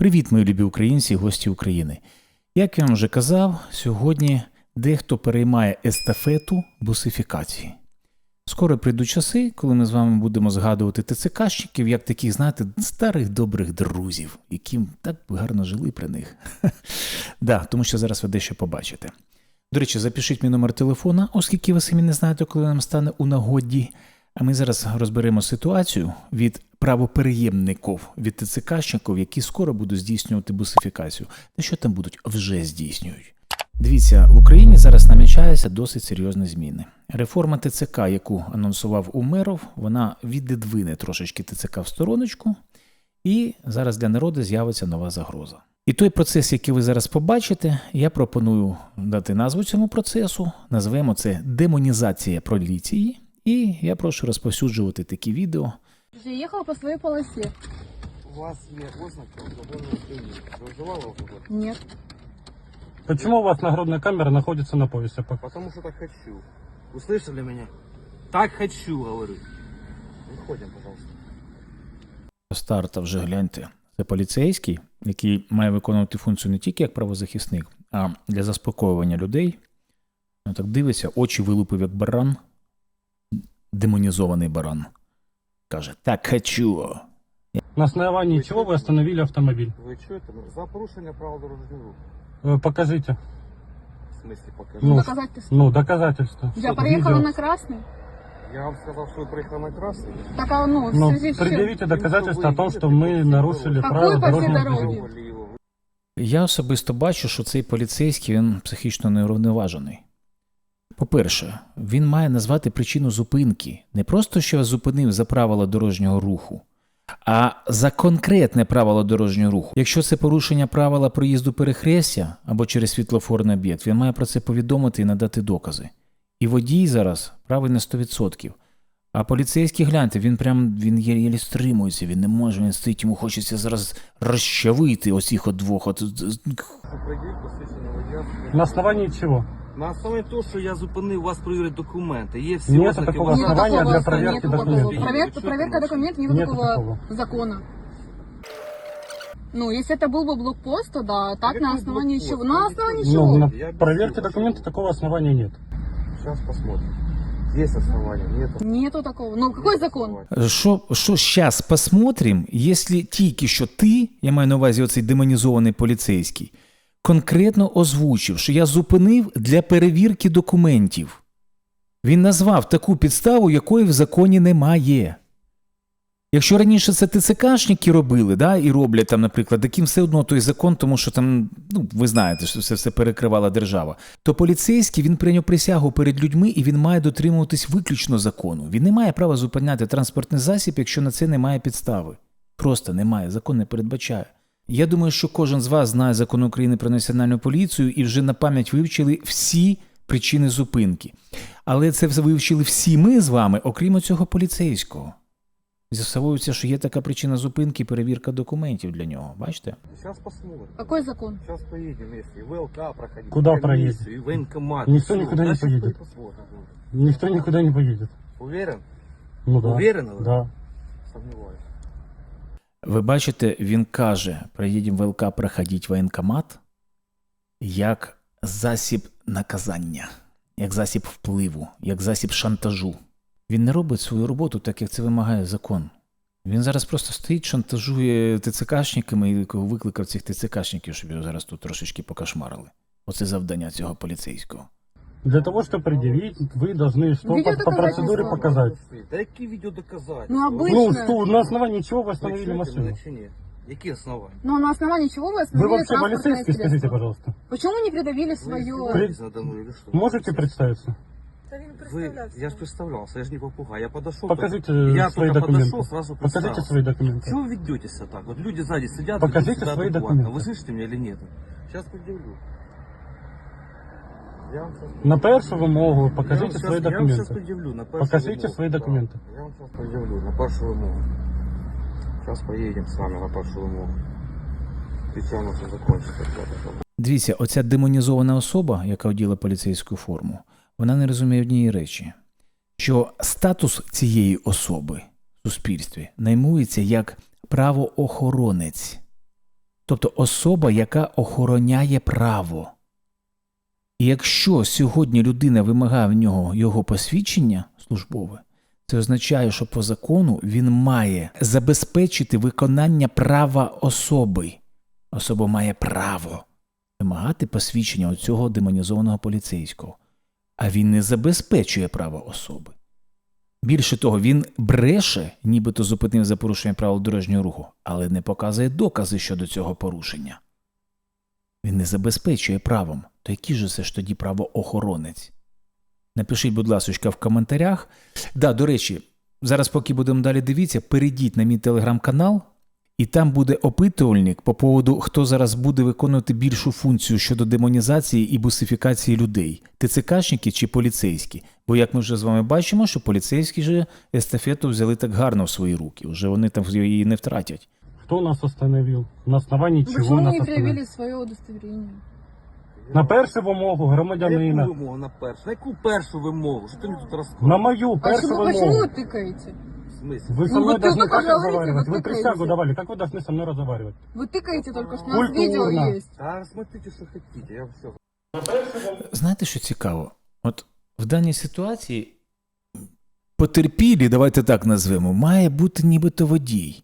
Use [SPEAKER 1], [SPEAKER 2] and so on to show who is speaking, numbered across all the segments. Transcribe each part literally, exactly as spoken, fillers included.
[SPEAKER 1] Привіт, мої любі українці і гості України. Як я вам вже казав, сьогодні дехто переймає естафету бусифікації. Скоро прийдуть часи, коли ми з вами будемо згадувати ТЦКшників, як таких, знаєте, старих добрих друзів, яким так гарно жили при них. Да, тому що зараз ви дещо побачите. До речі, запишіть мій номер телефона, оскільки ви самі не знаєте, коли нам стане у нагоді. А ми зараз розберемо ситуацію від правопереємників, від ТЦКшників, які скоро будуть здійснювати бусифікацію. Та що там будуть, вже здійснюють. Дивіться, в Україні зараз намічаються досить серйозні зміни. Реформа ТЦК, яку анонсував Умеров, вона віддвине трошечки ТЦК в стороночку, і зараз для народу з'явиться нова загроза. І той процес, який ви зараз побачите, я пропоную дати назву цьому процесу, назвемо це демонізація поліції, і я прошу розповсюджувати такі відео.
[SPEAKER 2] Я їхала по своїй полосі.
[SPEAKER 3] У вас є ознаки алкогольного сп'яніння. Ви вживали алкоголь?
[SPEAKER 2] Ні.
[SPEAKER 4] Почему у вас нагрудная камера находится на поясе?
[SPEAKER 3] Потому что так хочу. Вы слышали меня? Так хочу, говорю. Выходим, пожалуйста.
[SPEAKER 1] Старта вже гляньте. Це поліцейський, який має виконувати функцію не тільки як правозахисник, а для заспокоювання людей. Ну, так дивиться, очі вилупив як баран, демонізований баран. Каже, так хочу.
[SPEAKER 4] На основании
[SPEAKER 3] Вы
[SPEAKER 4] чего
[SPEAKER 3] чё?
[SPEAKER 4] вы остановили автомобиль?
[SPEAKER 3] Вы что это? За порушение правил дорожного руху.
[SPEAKER 4] Э, Покажите.
[SPEAKER 3] В смысле покажи?
[SPEAKER 4] Ну,
[SPEAKER 2] Доказать ты что?
[SPEAKER 4] Ну, доказательства.
[SPEAKER 2] Я
[SPEAKER 3] что,
[SPEAKER 2] проехала
[SPEAKER 4] видео?
[SPEAKER 2] на красный.
[SPEAKER 3] Я вам сказал, что вы проехали на красный.
[SPEAKER 2] Так, а ну, в
[SPEAKER 4] Ну,
[SPEAKER 2] связи с чем?
[SPEAKER 4] предъявите доказательства о том,
[SPEAKER 3] Вы
[SPEAKER 4] что мы
[SPEAKER 3] видите,
[SPEAKER 4] нарушили
[SPEAKER 2] какой
[SPEAKER 4] правила
[SPEAKER 2] по всей
[SPEAKER 4] дорожного
[SPEAKER 2] дороге?
[SPEAKER 4] движения.
[SPEAKER 3] Трогали его.
[SPEAKER 1] Я особисто бачу, що цей поліцейський, він психічно неврівноважений. По-перше, він має назвати причину зупинки. Не просто, що зупинив за правила дорожнього руху, а за конкретне правило дорожнього руху. Якщо це порушення правила проїзду перехрестя або через світлофорний об'єкт, він має про це повідомити і надати докази. І водій зараз правий на сто відсотків. А поліцейський, гляньте, він прям, він єлі стримується, він не може, він стоїть, йому хочеться зараз розчавити оцих от двох. От...
[SPEAKER 3] Пред'явіть посвідчення водія.
[SPEAKER 4] На основании чего?
[SPEAKER 3] На основі того, що я зупинив, у вас перевірять документи. Є всі
[SPEAKER 4] Нет
[SPEAKER 3] ознаки
[SPEAKER 4] такого
[SPEAKER 3] вашого-
[SPEAKER 2] Нет
[SPEAKER 4] основания
[SPEAKER 2] такого,
[SPEAKER 4] для
[SPEAKER 2] что
[SPEAKER 4] проверки
[SPEAKER 2] нету такого.
[SPEAKER 4] документов.
[SPEAKER 2] Проверка,
[SPEAKER 3] Вы
[SPEAKER 2] проверка
[SPEAKER 3] чё,
[SPEAKER 2] документов, нет
[SPEAKER 4] Нету
[SPEAKER 2] такого
[SPEAKER 4] такого.
[SPEAKER 2] закона. Ну, если это был бы блокпост, то да, так
[SPEAKER 3] Какой
[SPEAKER 2] на основании
[SPEAKER 3] блокпост?
[SPEAKER 2] чего? На основании
[SPEAKER 3] Ну,
[SPEAKER 2] чего?
[SPEAKER 4] Ну, на
[SPEAKER 3] Я объясню,
[SPEAKER 4] проверке
[SPEAKER 3] почему.
[SPEAKER 4] документов такого основания нет.
[SPEAKER 3] Сейчас посмотрим. Есть основания, нет.
[SPEAKER 2] Нету такого. Ну, какой закон?
[SPEAKER 1] Що, що зараз посмотрим, якщо тільки що ти, я маю на увазі оцей демонізований поліцейський, конкретно озвучив, що я зупинив для перевірки документів. Він назвав таку підставу, якої в законі немає. Якщо раніше це ТЦКшники робили, да, і роблять там, наприклад, таким все одно той закон, тому що там, ну, ви знаєте, що це все перекривала держава, то поліцейський, він прийняв присягу перед людьми, і він має дотримуватись виключно закону. Він не має права зупиняти транспортний засіб, якщо на це немає підстави. Просто немає, закон не передбачає. Я думаю, що кожен з вас знає закон України про національну поліцію і вже на пам'ять вивчили всі причини зупинки. Але це вивчили всі ми з вами, окрім цього поліцейського. З'ясовується, що є така причина зупинки – перевірка документів для нього. Бачите?
[SPEAKER 3] Сейчас посмотрим.
[SPEAKER 2] Какой закон?
[SPEAKER 3] Сейчас поедем вместе. И ВЛК проходить.
[SPEAKER 4] Куда
[SPEAKER 3] и комиссию, И военкомат.
[SPEAKER 4] Никто
[SPEAKER 3] Всё,
[SPEAKER 4] никуда не
[SPEAKER 3] дальше
[SPEAKER 4] поедет.
[SPEAKER 3] посмотрим.
[SPEAKER 4] Никто никуда не поедет.
[SPEAKER 3] Уверен?
[SPEAKER 4] Ну да.
[SPEAKER 3] Уверены вы?
[SPEAKER 4] Да.
[SPEAKER 3] Сомневаюсь.
[SPEAKER 1] Ви бачите, він каже, приїдемо в ВЛК проходити воєнкомат як засіб наказання, як засіб впливу, як засіб шантажу. Він не робить свою роботу так, як це вимагає закон. Він зараз просто стоїть, шантажує ТЦКшниками і викликав цих ТЦКшників, щоб його зараз тут трошечки покошмарили. Оце завдання цього поліцейського.
[SPEAKER 4] Для того, чтобы предъявить, вы должны что
[SPEAKER 2] Видео
[SPEAKER 4] по, по процедуре
[SPEAKER 2] доказательства.
[SPEAKER 4] показать.
[SPEAKER 3] Да какие видеодоказательства?
[SPEAKER 2] Ну, обычно.
[SPEAKER 4] Ну, что, на основании чего вы
[SPEAKER 3] Вы
[SPEAKER 4] остановили
[SPEAKER 3] чуете
[SPEAKER 4] машину?
[SPEAKER 3] меня чи нет? Какие основания?
[SPEAKER 2] Ну, на основании чего вы
[SPEAKER 4] Вы
[SPEAKER 2] остановили
[SPEAKER 4] вообще
[SPEAKER 2] транспортное
[SPEAKER 4] полицейский, скажите,
[SPEAKER 2] средство?
[SPEAKER 4] пожалуйста.
[SPEAKER 2] Почему не придавили
[SPEAKER 3] Вы
[SPEAKER 2] свое...
[SPEAKER 3] издеваетесь надо мной или что?
[SPEAKER 4] Можете представиться?
[SPEAKER 3] Вы, я же представлялся, я же не попугай. Я подошел.
[SPEAKER 4] Покажите
[SPEAKER 3] только- я
[SPEAKER 4] свои
[SPEAKER 3] только
[SPEAKER 4] документы.
[SPEAKER 3] подошел, сразу
[SPEAKER 4] Покажите
[SPEAKER 3] представился.
[SPEAKER 4] свои документы.
[SPEAKER 3] Чего вы ведете себя так? Вот люди сзади сидят.
[SPEAKER 4] Покажите
[SPEAKER 3] ведут себя
[SPEAKER 4] свои
[SPEAKER 3] адекватно.
[SPEAKER 4] документы.
[SPEAKER 3] Вы слышите меня или нет? Сейчас предъявлю. Я вам сейчас
[SPEAKER 4] На першу вимогу
[SPEAKER 3] Я вам
[SPEAKER 4] покажите
[SPEAKER 3] щас-
[SPEAKER 4] свои
[SPEAKER 3] Я вам сейчас
[SPEAKER 4] документы.
[SPEAKER 3] предъявлю на першу
[SPEAKER 4] Покажите
[SPEAKER 3] вимогу.
[SPEAKER 4] свои
[SPEAKER 3] Да.
[SPEAKER 4] документы.
[SPEAKER 3] Я вам сейчас предъявлю на першу вимогу. Сейчас поедем с вами на першу вимогу. Печально все закончится.
[SPEAKER 1] Дивіться, оця демонізована особа, яка оділа поліцейську форму, вона не розуміє однієї речі, що статус цієї особи в суспільстві наймується як правоохоронець. Тобто особа, яка охороняє право. І якщо сьогодні людина вимагає в нього його посвідчення службове, це означає, що по закону він має забезпечити виконання права особи. Особа має право вимагати посвідчення у цього демонізованого поліцейського. А він не забезпечує право особи. Більше того, він бреше, нібито зупинив за порушення правил дорожнього руху, але не показує докази щодо цього порушення. Він не забезпечує правом. То який же це ж тоді правоохоронець? Напишіть, будь ласка, в коментарях. Да, до речі, зараз поки будемо далі дивитися, перейдіть на мій телеграм-канал, і там буде опитувальник по поводу, хто зараз буде виконувати більшу функцію щодо демонізації і бусифікації людей. ТЦКшники чи поліцейські? Бо, як ми вже з вами бачимо, що поліцейські же естафету взяли так гарно в свої руки. Вже вони там її не втратять.
[SPEAKER 4] Кто нас остановил? На основании чего
[SPEAKER 2] Почему
[SPEAKER 4] нас
[SPEAKER 2] не
[SPEAKER 4] остановили?
[SPEAKER 2] проявили свое удостоверение?
[SPEAKER 4] На першу вимогу
[SPEAKER 3] На
[SPEAKER 4] громадянина.
[SPEAKER 3] яку вимогу на першу? На яку першу вимогу? Що ти мені тут розказуєш?
[SPEAKER 4] На мою першу
[SPEAKER 2] Почему, почему
[SPEAKER 4] вимогу.
[SPEAKER 2] вы тыкаете?
[SPEAKER 3] В смысле?
[SPEAKER 4] Вы со
[SPEAKER 2] Ну,
[SPEAKER 4] мной
[SPEAKER 2] вот
[SPEAKER 4] должны
[SPEAKER 2] только
[SPEAKER 4] как
[SPEAKER 2] говорите,
[SPEAKER 4] разговаривать?
[SPEAKER 2] вот
[SPEAKER 4] Вы
[SPEAKER 2] тыкаете.
[SPEAKER 4] присягу давали. Как вы должны со мной разговаривать?
[SPEAKER 2] Вы тыкаете только что, у нас
[SPEAKER 4] Культурно.
[SPEAKER 2] видео есть.
[SPEAKER 3] Та смотрите, що хотите, я все.
[SPEAKER 1] Знаєте, що цікаво? От в даній ситуації потерпілі, давайте так назвемо, має бути нібито водій.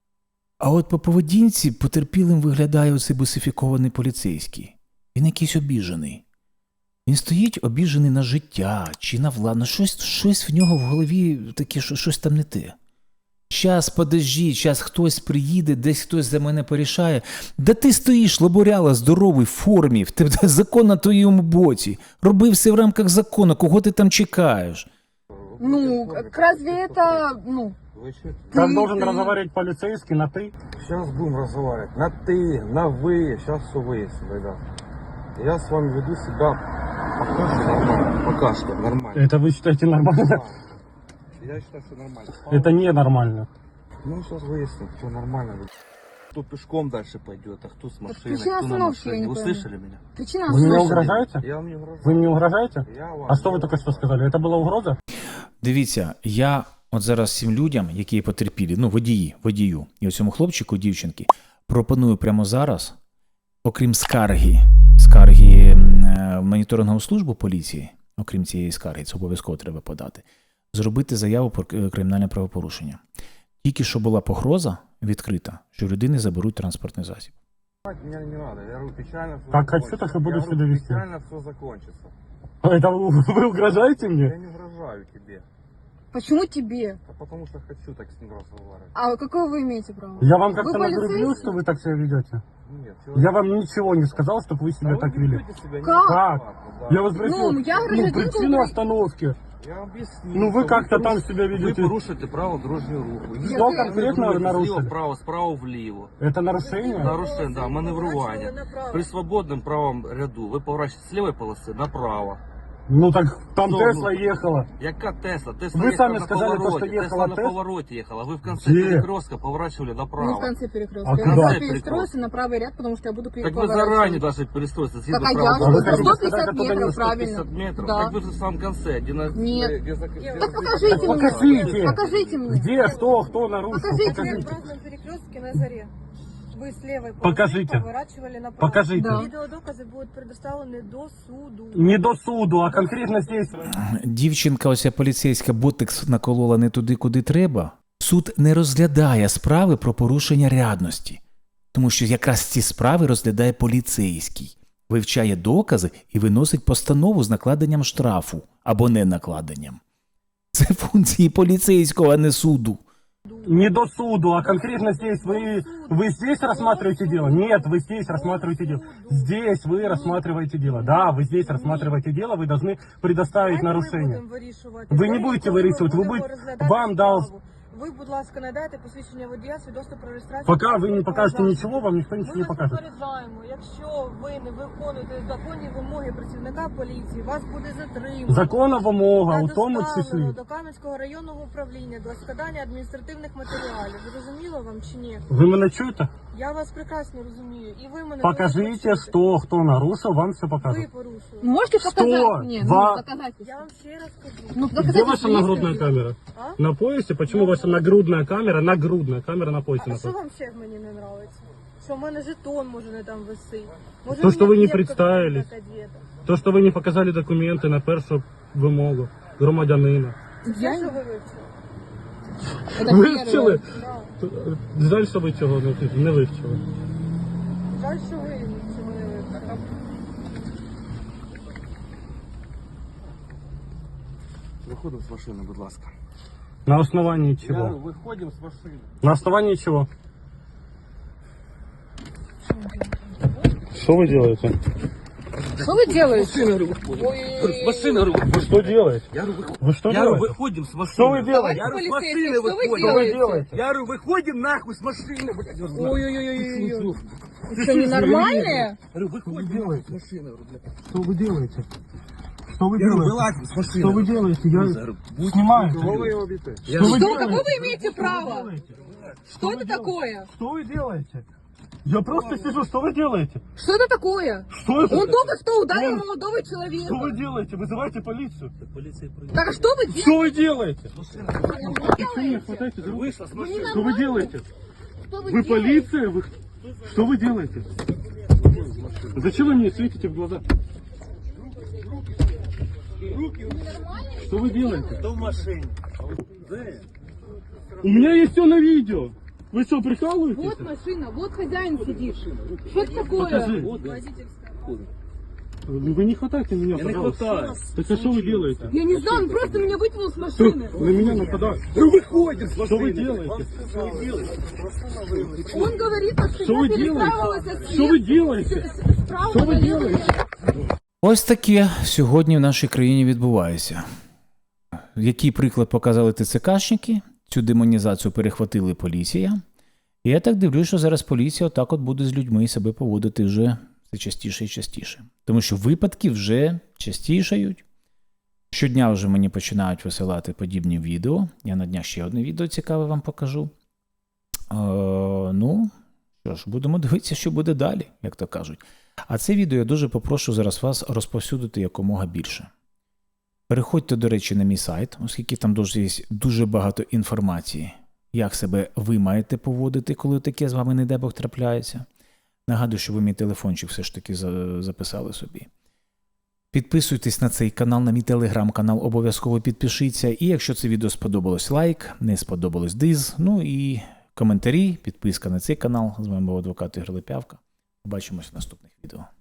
[SPEAKER 1] А от по поведінці потерпілим виглядає оцей бусифікований поліцейський. Він якийсь обіжений. Він стоїть обіжений на життя чи на владу. Щось, щось в нього в голові таке, що щось там не те. Щас, подожди, щас хтось приїде, десь хтось за мене порішає. Да ти стоїш, лаборяла, здоровий, в формі, в тебе закон на твоєму боці. Роби все в рамках закону, кого ти там чекаєш?
[SPEAKER 2] Ну, как разве это, ну,
[SPEAKER 3] Ви що?
[SPEAKER 4] Как
[SPEAKER 2] Ты-
[SPEAKER 4] должен
[SPEAKER 2] ты-
[SPEAKER 4] разговаривать полицейский на ты?
[SPEAKER 3] Сейчас будем разговаривать на ты, на вы, сейчас все выясним, ребят. Я с вами веду себя пока что нормально, пока что нормально.
[SPEAKER 4] Это вы считаете нормально?
[SPEAKER 3] Я считаю, что нормально.
[SPEAKER 4] Это ненормально.
[SPEAKER 3] Ну, сейчас выясним, что нормально. Кто пешком дальше пойдет, а кто с машиной,
[SPEAKER 2] причина
[SPEAKER 3] кто на
[SPEAKER 2] остановки, я
[SPEAKER 3] машине.
[SPEAKER 2] не
[SPEAKER 3] Вы
[SPEAKER 2] пойму.
[SPEAKER 3] слышали меня?
[SPEAKER 2] причина
[SPEAKER 4] Вы меня
[SPEAKER 2] слышали?
[SPEAKER 4] угрожаете?
[SPEAKER 3] Я вам не угрожаю.
[SPEAKER 4] Вы мне угрожаете?
[SPEAKER 3] Я вам
[SPEAKER 4] А что вы только что сказали? Это была угроза?
[SPEAKER 1] Дивіться, я от зараз всім людям, які потерпілі, ну водії, водію, і оцьому хлопчику, дівчинки, пропоную прямо зараз, окрім скарги, скарги м, е, в моніторингову службу поліції, окрім цієї скарги, це обов'язково треба подати, зробити заяву про к- кримінальне правопорушення. Тільки що була погроза відкрита, що в людини заберуть транспортний засіб.
[SPEAKER 3] Меня не надо. Я говорю, печально все
[SPEAKER 4] Как
[SPEAKER 3] закончится.
[SPEAKER 4] хочу, так и буду
[SPEAKER 3] Я
[SPEAKER 4] себя
[SPEAKER 3] говорю,
[SPEAKER 4] вести.
[SPEAKER 3] печально все закончится.
[SPEAKER 4] Это вы, вы угрожаете
[SPEAKER 3] Я
[SPEAKER 4] мне?
[SPEAKER 3] не угрожаю тебе.
[SPEAKER 2] Почему тебе?
[SPEAKER 3] А потому что хочу так с ним разговаривать.
[SPEAKER 2] А какое вы имеете право?
[SPEAKER 4] Я вам
[SPEAKER 2] Вы
[SPEAKER 4] как-то нагрубил,
[SPEAKER 2] полицейский?
[SPEAKER 4] что вы так себя ведете?
[SPEAKER 3] Нет,
[SPEAKER 4] Я вам ничего не сказал, чтобы вы себя
[SPEAKER 3] Да вы
[SPEAKER 4] так
[SPEAKER 3] не
[SPEAKER 4] вели.
[SPEAKER 3] ведете себя
[SPEAKER 2] Как?
[SPEAKER 3] неадекватно, да.
[SPEAKER 4] Я вас спросил,
[SPEAKER 2] Ну, я
[SPEAKER 4] ну,
[SPEAKER 2] гражданин
[SPEAKER 4] причину
[SPEAKER 2] Украины.
[SPEAKER 4] остановки.
[SPEAKER 3] Я вам объясню.
[SPEAKER 4] Ну, вы
[SPEAKER 3] что
[SPEAKER 4] как-то
[SPEAKER 3] поруш-
[SPEAKER 4] там себя
[SPEAKER 3] Вы
[SPEAKER 4] ведете.
[SPEAKER 3] порушите право дорожнього руху.
[SPEAKER 2] Я-
[SPEAKER 4] Что
[SPEAKER 2] я-
[SPEAKER 4] конкретно
[SPEAKER 3] Маневруєте
[SPEAKER 4] нарушили?
[SPEAKER 3] зліва вправо, справа вліво.
[SPEAKER 4] Это нарушение?
[SPEAKER 3] Нарушення, да, маневрування. При свободному правому ряду ви поворачуєте з лівої полоси направо.
[SPEAKER 4] Ну так там
[SPEAKER 3] Что,
[SPEAKER 4] Тесла
[SPEAKER 3] ну?
[SPEAKER 4] ехала.
[SPEAKER 3] Яка Тесла? Тесла
[SPEAKER 4] Ви
[SPEAKER 3] їхала
[SPEAKER 4] самі
[SPEAKER 3] на
[SPEAKER 4] сказали, то,
[SPEAKER 3] повороті.
[SPEAKER 4] що їхала
[SPEAKER 3] Тесла на
[SPEAKER 4] Тесла?
[SPEAKER 3] повороті їхала. Ви в кінці
[SPEAKER 4] Де?
[SPEAKER 3] перекрестка поворачивали
[SPEAKER 2] Не в
[SPEAKER 3] направо.
[SPEAKER 2] конце перекрестка.
[SPEAKER 4] А
[SPEAKER 2] я
[SPEAKER 4] куда?
[SPEAKER 2] просто
[SPEAKER 3] В конце
[SPEAKER 2] перестроился на правый ряд, потому что я буду
[SPEAKER 3] Так вы
[SPEAKER 2] поворачивать.
[SPEAKER 3] заранее должны перестроиться.
[SPEAKER 2] Так, а я
[SPEAKER 4] А
[SPEAKER 2] что,
[SPEAKER 4] вы
[SPEAKER 2] за
[SPEAKER 4] хотите
[SPEAKER 2] сто
[SPEAKER 4] сказать,
[SPEAKER 2] пятьдесят
[SPEAKER 4] оттуда не
[SPEAKER 2] метров,
[SPEAKER 3] сто
[SPEAKER 2] правильно.
[SPEAKER 3] пятьдесят метров.
[SPEAKER 2] Да.
[SPEAKER 3] Так вы же в самом конце. Где на...
[SPEAKER 2] Нет.
[SPEAKER 3] где за- где
[SPEAKER 2] Так
[SPEAKER 3] за-
[SPEAKER 2] покажите
[SPEAKER 3] где-
[SPEAKER 2] мне.
[SPEAKER 4] Покажите.
[SPEAKER 2] Покажите мне.
[SPEAKER 4] Где, что, кто нарушил?
[SPEAKER 2] Покажите.
[SPEAKER 5] На
[SPEAKER 4] Покажите.
[SPEAKER 5] красном перекрестке на заре. Вы с левой полосы
[SPEAKER 4] Покажите.
[SPEAKER 5] поворачивали направо.
[SPEAKER 4] Покажите.
[SPEAKER 2] Да.
[SPEAKER 5] Видеодоказы будут предоставлены до суду.
[SPEAKER 4] Не до суду, а конкретно здесь.
[SPEAKER 1] Дівчинка, оця поліцейська, ботекс наколола не туди, куди треба. Суд не розглядає справи про порушення рядності. Тому що якраз ці справи розглядає поліцейський. Вивчає докази і виносить постанову з накладенням штрафу або не накладенням. Це функції поліцейського, а не суду.
[SPEAKER 4] Не до суду, а конкретно здесь. Вы, вы здесь рассматриваете дело? Нет, вы здесь рассматриваете дело. Здесь вы рассматриваете дело. Да, вы здесь рассматриваете дело, вы должны предоставить
[SPEAKER 5] Давайте ми
[SPEAKER 4] нарушение.
[SPEAKER 5] будемо вирішувати.
[SPEAKER 4] Ви не
[SPEAKER 5] Давайте
[SPEAKER 4] будете
[SPEAKER 5] ми
[SPEAKER 4] вирішувати, ви
[SPEAKER 5] будемо
[SPEAKER 4] будете-
[SPEAKER 5] розглядати
[SPEAKER 4] вам дав-
[SPEAKER 5] справу. Ви, будь ласка, надайте посвідчення водія, свідоцтво про реєстрацію.
[SPEAKER 4] Пока вы не покажете
[SPEAKER 5] транспортного
[SPEAKER 4] ничего, вам никто
[SPEAKER 5] засобу.
[SPEAKER 4] ничего
[SPEAKER 5] Ми
[SPEAKER 4] не
[SPEAKER 5] вас
[SPEAKER 4] покажет.
[SPEAKER 5] попереджаємо, якщо ви не виконуєте законні вимоги працівника поліції, вас буде затримано.
[SPEAKER 4] Закона вимога,
[SPEAKER 5] Та
[SPEAKER 4] у тому
[SPEAKER 5] доставлено
[SPEAKER 4] числі.
[SPEAKER 5] до Кам'янського районного управління для складання адміністративних матеріалів. Зрозуміло вам чи ні?
[SPEAKER 4] Ви мене чуєте?
[SPEAKER 5] Я вас прекрасно розумію. І ви мене
[SPEAKER 4] Покажите,
[SPEAKER 5] дуже почуєте.
[SPEAKER 4] что, кто нарушил, вам все
[SPEAKER 5] Ви
[SPEAKER 4] покажут.
[SPEAKER 5] порушили.
[SPEAKER 2] Можете
[SPEAKER 4] Что?
[SPEAKER 2] показать мне?
[SPEAKER 4] Ва-
[SPEAKER 2] Ну, доказательства.
[SPEAKER 5] Я вам ще раз кажу.
[SPEAKER 2] Ну,
[SPEAKER 4] Где
[SPEAKER 2] доказательства
[SPEAKER 4] ваша
[SPEAKER 2] есть
[SPEAKER 4] нагрудная
[SPEAKER 2] какие-то?
[SPEAKER 4] камера?
[SPEAKER 5] А?
[SPEAKER 4] На поясе? Почему ваша нагрудная камера, нагрудная камера на поясе
[SPEAKER 5] А що
[SPEAKER 4] находится?
[SPEAKER 5] вам ще в мені не подобається? що в мене жетон може не там висить. Може,
[SPEAKER 4] То,
[SPEAKER 5] у
[SPEAKER 4] що
[SPEAKER 5] мене
[SPEAKER 4] ви не
[SPEAKER 5] кепка
[SPEAKER 4] представились.
[SPEAKER 5] така одета.
[SPEAKER 4] То, що ви не показали документи на першу вимогу громадянина.
[SPEAKER 5] Я що ви вивчили?
[SPEAKER 2] Это
[SPEAKER 4] Вивчили?
[SPEAKER 2] первое.
[SPEAKER 5] Да.
[SPEAKER 4] Жаль, що ви цього не, не вивчили.
[SPEAKER 5] Жаль, що ви цього не вивчили.
[SPEAKER 3] Виходимо з машини, будь ласка.
[SPEAKER 4] На основании
[SPEAKER 3] Я
[SPEAKER 4] чего?
[SPEAKER 3] говорю, виходимо з машини.
[SPEAKER 4] На основании чего? Что вы делаете?
[SPEAKER 2] Что вы делаете?
[SPEAKER 3] Машина, говорю, виходимо. З машини, говорю,
[SPEAKER 4] Вы что делаете?
[SPEAKER 3] я говорю, виходимо.
[SPEAKER 4] Вы что
[SPEAKER 3] Я говорю,
[SPEAKER 4] делаете?
[SPEAKER 3] виходимо з машини.
[SPEAKER 4] Что вы делаете?
[SPEAKER 3] Я говорю, з
[SPEAKER 2] Полицейский,
[SPEAKER 3] машини
[SPEAKER 2] что вы
[SPEAKER 3] виходимо.
[SPEAKER 4] Что вы
[SPEAKER 2] делаете?
[SPEAKER 4] делаете?
[SPEAKER 3] Я говорю, виходимо нахуй з машини, блядь.
[SPEAKER 2] Ой-ой-ой-ой-ой. Вы что, ненормальные?
[SPEAKER 3] Говорю, виходимо нахуй з машини, говорю, блядь.
[SPEAKER 4] Что вы делаете? Что вы
[SPEAKER 3] Я говорю,
[SPEAKER 4] делаете?
[SPEAKER 3] вилазь з машини.
[SPEAKER 4] Что вы делаете? Я
[SPEAKER 3] говорю, будь-
[SPEAKER 4] снимаю.
[SPEAKER 3] Кого ви його б'єте?
[SPEAKER 4] Что вы
[SPEAKER 2] Что,
[SPEAKER 4] делаете?
[SPEAKER 2] какое вы имеете
[SPEAKER 4] Что вы
[SPEAKER 2] право?
[SPEAKER 4] делаете?
[SPEAKER 2] Что это
[SPEAKER 4] делаете?
[SPEAKER 2] такое?
[SPEAKER 4] Что вы делаете? Я просто сижу, что вы делаете?
[SPEAKER 2] Что это такое?
[SPEAKER 4] Что это?
[SPEAKER 2] Он только что ударил
[SPEAKER 4] Он-
[SPEAKER 2] молодого
[SPEAKER 4] Что вы
[SPEAKER 2] человека.
[SPEAKER 4] делаете? Вызывайте полицию.
[SPEAKER 2] Так а что вы делаете?
[SPEAKER 4] Что вы делаете?
[SPEAKER 2] Что
[SPEAKER 4] Вы хватайте за руки.
[SPEAKER 3] Вийшла з машини.
[SPEAKER 4] Что вы делаете?
[SPEAKER 2] Что вы
[SPEAKER 4] Вы
[SPEAKER 2] делаете?
[SPEAKER 4] полиция? Вы... Что вы делаете? Зачем вы мне светите в глаза? Что вы делаете?
[SPEAKER 3] Хто в машині?
[SPEAKER 4] У меня есть все на видео. Вы что, прикалываетесь?
[SPEAKER 2] Вот машина, вот хозяин сидит. Что это такое?
[SPEAKER 4] Покажи. Вы не хватайте меня,
[SPEAKER 3] Я не
[SPEAKER 4] пожалуйста.
[SPEAKER 3] хватаю.
[SPEAKER 4] Так а что вы делаете?
[SPEAKER 2] Я не знаю, он просто меня вытянул с
[SPEAKER 4] Что?
[SPEAKER 2] машины.
[SPEAKER 4] На меня нападают.
[SPEAKER 3] Ну виходимо з машини.
[SPEAKER 4] Что вы делаете?
[SPEAKER 3] Що ви робите?
[SPEAKER 2] Он говорит, что
[SPEAKER 4] Что
[SPEAKER 2] я
[SPEAKER 4] вы
[SPEAKER 2] перестраивалась
[SPEAKER 4] делаете?
[SPEAKER 2] от
[SPEAKER 4] Что вы делаете?
[SPEAKER 2] справа
[SPEAKER 4] Что вы
[SPEAKER 2] налево.
[SPEAKER 4] делаете?
[SPEAKER 1] Ось таке сьогодні в нашій країні відбувається. Який приклад показали ТЦКшники, цю демонізацію перехватили поліція. І я так дивлюсь, що зараз поліція отак от буде з людьми себе поводити вже все частіше і частіше. Тому що випадки вже частішають. Щодня вже мені починають висилати подібні відео. Я на днях ще одне відео цікаве вам покажу. Е, ну, що ж, будемо дивитися, що буде далі, як то кажуть. А це відео я дуже попрошу зараз вас розповсюдити якомога більше. Переходьте, до речі, на мій сайт, оскільки там дуже є дуже багато інформації, як себе ви маєте поводити, коли таке з вами, не дай Бог, трапляється. Нагадую, що ви мій телефончик все ж таки записали собі. Підписуйтесь на цей канал, на мій телеграм-канал, обов'язково підпишіться. І якщо це відео сподобалось, лайк, не сподобалось, диз. Ну і коментарі, підписка на цей канал. З вами був адвокат Ігор Лепявка. Побачимось в наступних відео.